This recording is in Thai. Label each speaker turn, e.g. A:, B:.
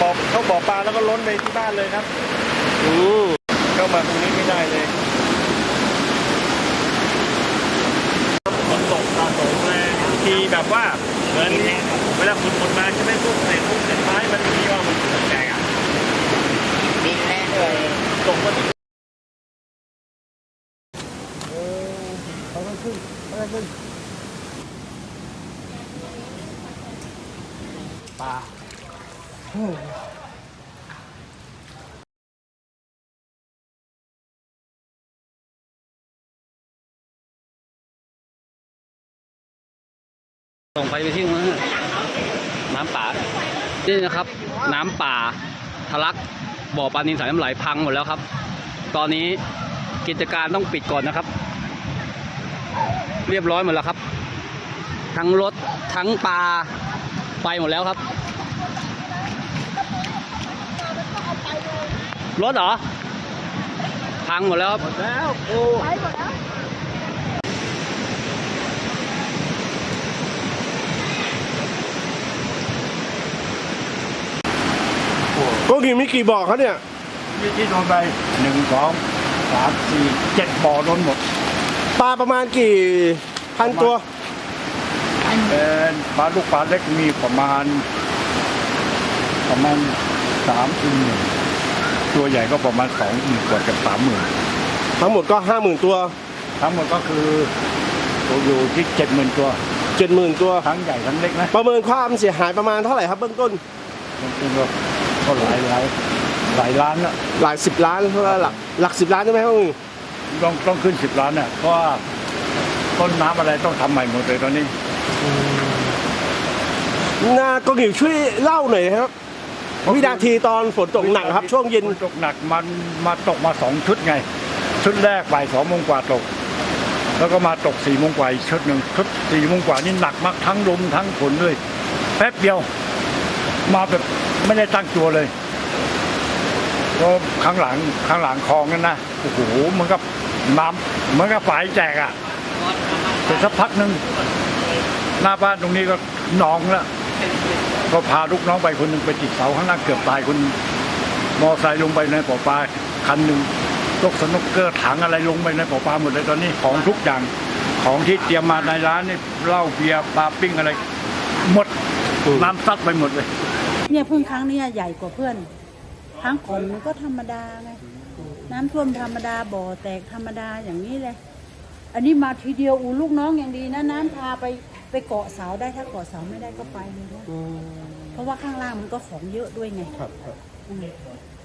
A: เข้าบ่อปลาแล้วก็ล้นไปที่บ้านเลยครับเข้ามาตรงนี้ไม่ได้เลยฝนตกสะสมเลยทีแบบว่าเหมือนเวลาฝนหมดมาใช่ไหมพวกเศษไม้มันมีว่ามันแตกอ่ะ
B: ดินแน่เลย
A: ตกมาที่
B: เขาต้องขึ้นปลา
C: ส่งไปที่นู้นน้ำป่านี่นะครับน้ำป่าทะลักบ่อปลานิลสายน้ำไหลพังหมดแล้วครับตอนนี้กิจการต้องปิดก่อนนะครับเรียบร้อยหมดแล้วครับทั้งรถทั้งปลาไปหมดแล้วครับรถเหรอพังหมดแล้วครับหมดแล้วโอ้ไปหมดแล้ว
A: ก็กี่มีกี่บ่อเขาเนี่ย
D: ที่โดนไป1 2 3 4 7บ่อล้นหมด
A: ปลาประมาณกี่พันตัว
D: เป็นปลาลูกปลาเล็กมีประมาณ30,000ตัวใหญ่ก็ประมาณ20,000กว่ากับ30,000
A: ทั้งหมดก็50,000ตัว
D: ทั้งหมดก็คืออยู่ที่70,000ตัว
A: 70,000ตัว
D: ทั้งใหญ่ทั้งเล็กนะ
A: ประเมินความเสียหายประมาณเท่าไหร่ครับเบื้องต้น
D: ก็หลายล้านละ
A: หลาย10 ล้านเท่าไหร่หลัก10 ล้านใช่ไหมครับ
D: ต้องขึ้น10 ล้านเนี่ยเพราะว่าต้นน้ำอะไรต้องทำใหม่หมดเลยตอนนี้
A: ก็หนิวช่วยเล่าหน่อยครับวินาทีตอนฝนตกหนักครับช่วงเย็น
D: ตกหนักมันมาตกมา2 ชุดไงชุดแรกบ่าย2 โมงกว่าตกแล้วก็มาตก4 โมงกว่าอีกชุดหนึ่งชุด4 โมงกว่านี่หนักมากทั้งลมทั้งฝนเลยแป๊บเดียวมาแบบไม่ได้ตั้งตัวเลยก็ข้างหลังคลองนั่นนะโอ้โหมันก็น้ำมันก็ฝายแจกอ่ะแต่สักพักหนึ่งหน้าบ้านตรงนี้ก็หนองแล้วก็พาลูกน้องไปคนหนึ่งไปติดเสาข้างล่างเกือบตายคนมอไซค์ลงไปในบ่อปลาคันหนึ่งยกสนุกเกอร์ถังอะไรลงไปในบ่อปลาหมดเลยตอนนี้ของทุกอย่างของที่เตรียมมาในร้านนี่เหล้าเบียร์ปลาปิ้งอะไรหมดน้ำซัดไปหมดเลย
E: เนี่ยเพิ่งครั้งนี้ใหญ่กว่าเพื่อนครั้งก่อนมันก็ธรรมดาไงน้ำท่วมธรรมดาบ่อแตกธรรมดาอย่างนี้เลยอันนี้มาทีเดียวลูกน้องอย่างดีนะน้ำพาไปเกาะเสาได้ถ้าเกาะเสาไม่ได้ก็ไปเลยนะเพราะว่าข้างล่างมันก็ของเยอะด้วยไง